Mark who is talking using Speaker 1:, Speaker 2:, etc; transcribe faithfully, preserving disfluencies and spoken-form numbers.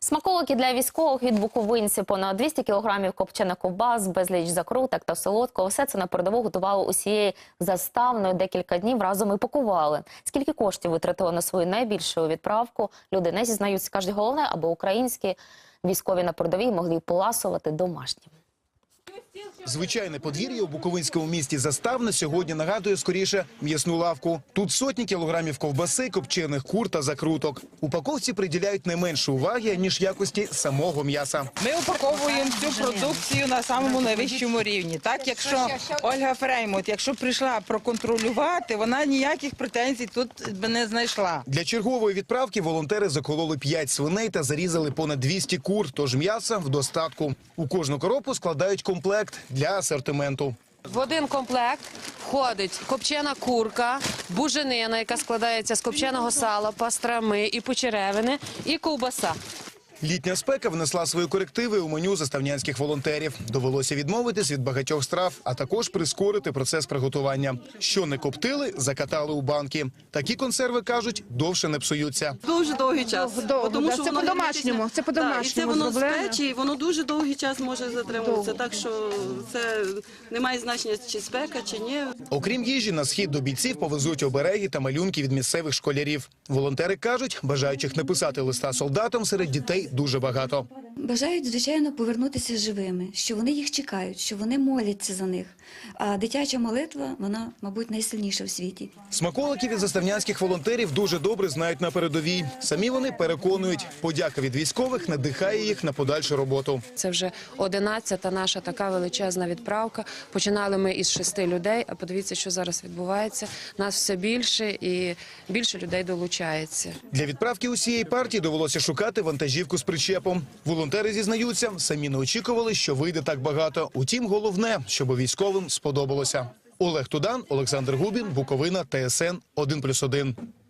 Speaker 1: Смаколики для військових від буковинців, понад двісті кілограмів копчених ковбас, безліч закруток та солодкого. Все це на передову готували усією заставною, декілька днів разом і пакували. Скільки коштів витратили на свою найбільшу відправку, люди не зізнаються. Кажуть, головне, аби українські військові на передовій могли поласувати домашнім.
Speaker 2: Звичайне подвір'я у буковинському місті Заставне сьогодні нагадує скоріше м'ясну лавку. Тут сотні кілограмів ковбаси, копчених кур та закруток. Упаковці приділяють не менше уваги, ніж якості самого м'яса.
Speaker 3: Ми упаковуємо цю продукцію на самому найвищому рівні. Так, якщо Ольга Фреймут, якщо прийшла проконтролювати, вона ніяких претензій тут не знайшла.
Speaker 2: Для чергової відправки волонтери закололи п'ять свиней та зарізали понад двісті кур, тож м'яса в достатку. У кожну коробку складають комплект для асортименту.
Speaker 4: В один комплект входить копчена курка, буженина, яка складається з копченого сала, пастрами і почеревини, і ковбаса.
Speaker 2: Літня спека внесла свої корективи у меню заставнянських волонтерів. Довелося відмовитись від багатьох страв, а також прискорити процес приготування. Що не коптили, закатали у банки. Такі консерви, кажуть, довше не псуються.
Speaker 5: Дуже довгий час.
Speaker 6: Довго,
Speaker 5: тому
Speaker 6: да,
Speaker 5: що
Speaker 6: це
Speaker 5: воно
Speaker 6: по-домашньому, це по-домашньому
Speaker 5: да, і це воно з
Speaker 6: зроблено.
Speaker 5: печі, і воно дуже довгий час може затримуватися. Так що це не має значення, чи спека, чи ні.
Speaker 2: Окрім їжі, на схід до бійців повезуть обереги та малюнки від місцевих школярів. Волонтери кажуть, бажаючих написати листа солдатам серед дітей дуже багато.
Speaker 7: Бажають, звичайно, повернутися живими, що вони їх чекають, що вони моляться за них. А дитяча молитва, вона, мабуть, найсильніша в світі.
Speaker 2: Смаколики від заставнянських волонтерів дуже добре знають на передовій. Самі вони переконують, подяка від військових надихає їх на подальшу роботу.
Speaker 4: Це вже одинадцята наша така величезна відправка. Починали ми із шести людей, а подивіться, що зараз відбувається. Нас все більше і більше людей долучається.
Speaker 2: Для відправки усієї партії довелося шукати вантажівку з причепом. Волонтери зізнаються, самі не очікували, що вийде так багато. Утім, головне, щоб військовим сподобалося. Олег Тудан, Олександр Губін, Буковина, Т С Н один плюс один.